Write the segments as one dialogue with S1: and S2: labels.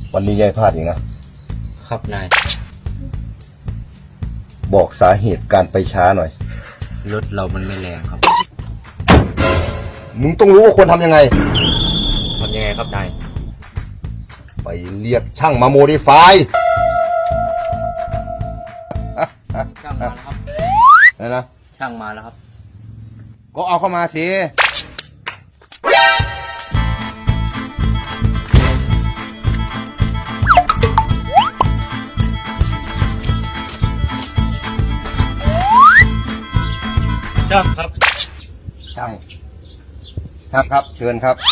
S1: วันนี้ยายพลาดอีกนะครับ
S2: นาย
S1: บอกสาเหตุการไปช้าหน่อย
S2: รถเรามันไม่แรงครับ
S1: มึงต้องรู้ว่าควรทำยังไง
S2: ทำยังไงครับนาย
S1: ไปเรียกช่างมาโมดิฟาย
S2: ช่างมาแล้วครับ
S1: นะ
S2: ช่างมาแล้วครับ
S1: ก็เอาเข้ามาสิ
S2: ช่างครับ
S1: ช่างครับ เชิญครับ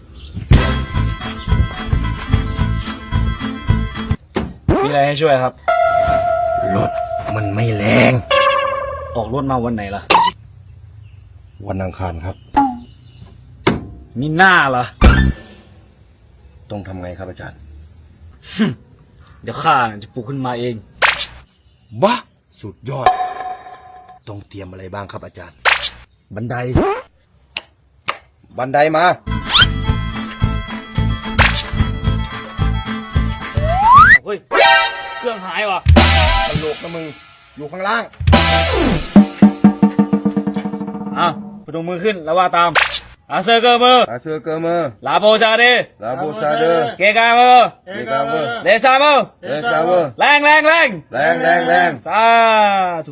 S3: มีอะไรให้ช่วยครับ
S1: รถมันไม่แรง
S3: ออกรถมาวันไหนล่ะ
S1: วันอังคารครับ
S3: มีหน้าเหรอ
S1: ต้องทำไงครับอาจารย์
S3: เดี๋ยวข้าจะปลุกขึ้นมาเอง
S1: บ้าสุดยอด ต้องเตรียมอะไรบ้างครับอาจารย์
S3: บันได
S1: บันไดมา
S3: เฮ้ย เครื่องหายว่ะ
S1: ตลกนะมึง อยู่ข้างล่าง
S3: อ้าวพนมมือขึ้นแล้วว่าตาม อาเซอร์เกอร์มือ
S1: อาเซอร์เกอร์เมอร์
S3: ลาโบซาเด
S1: ลาโบซาเดอร์
S3: เกกามือ
S1: เอกาเวอร์
S3: เลซามือ
S1: เอซาเวอร์
S3: แรงแรงแรง
S1: แรงแรงแรง
S3: สาธุ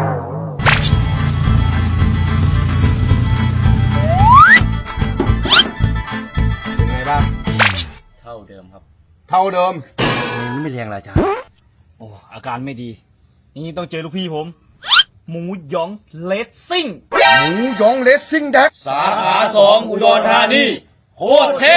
S1: เป็นไงบ้าง
S2: เท่าเดิมครับ
S1: เท่าเดิมมันไม่แรงละอาจารย์
S3: โอ้อาการไม่ดี นี่ต้องเจอลูกพี่ผม หมูหยองเลสซิ่ง
S1: หมูหยองเลสซิ่งแดก
S3: สาขา2 อุดรธานี โคตรเท่